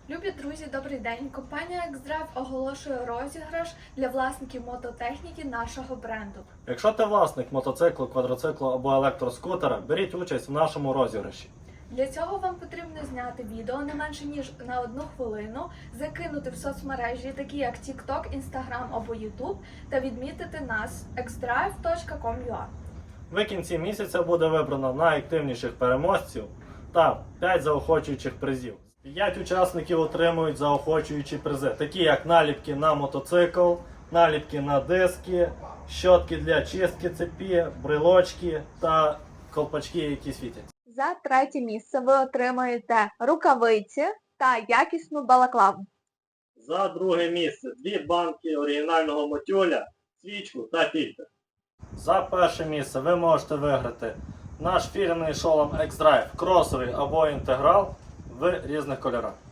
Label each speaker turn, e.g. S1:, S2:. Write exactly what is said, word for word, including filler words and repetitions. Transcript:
S1: Любі друзі, добрий день! Компанія X-Drive оголошує розіграш для власників мототехніки нашого бренду.
S2: Якщо ти власник мотоциклу, квадроциклу або електроскутера, беріть участь в нашому розіграші.
S1: Для цього вам потрібно зняти відео не менше ніж на одну хвилину, закинути в соцмережі, такі як TikTok, Instagram або YouTube, та відмітити нас екс драйв точка ком точка ю а.
S2: В кінці місяця буде вибрано найактивніших переможців та п'ять заохочуючих призів. п'ять учасників отримують заохочуючі призи, такі як наліпки на мотоцикл, наліпки на диски, щотки для чистки цепі, брелочки та колпачки, які світять.
S1: За третє місце ви отримаєте рукавиці та якісну балаклаву.
S2: За друге місце дві банки оригінального мотюля, свічку та фільтр. За перше місце ви можете виграти наш фірменний шолом X-Drive, кросовий або інтеграл в різних кольорах.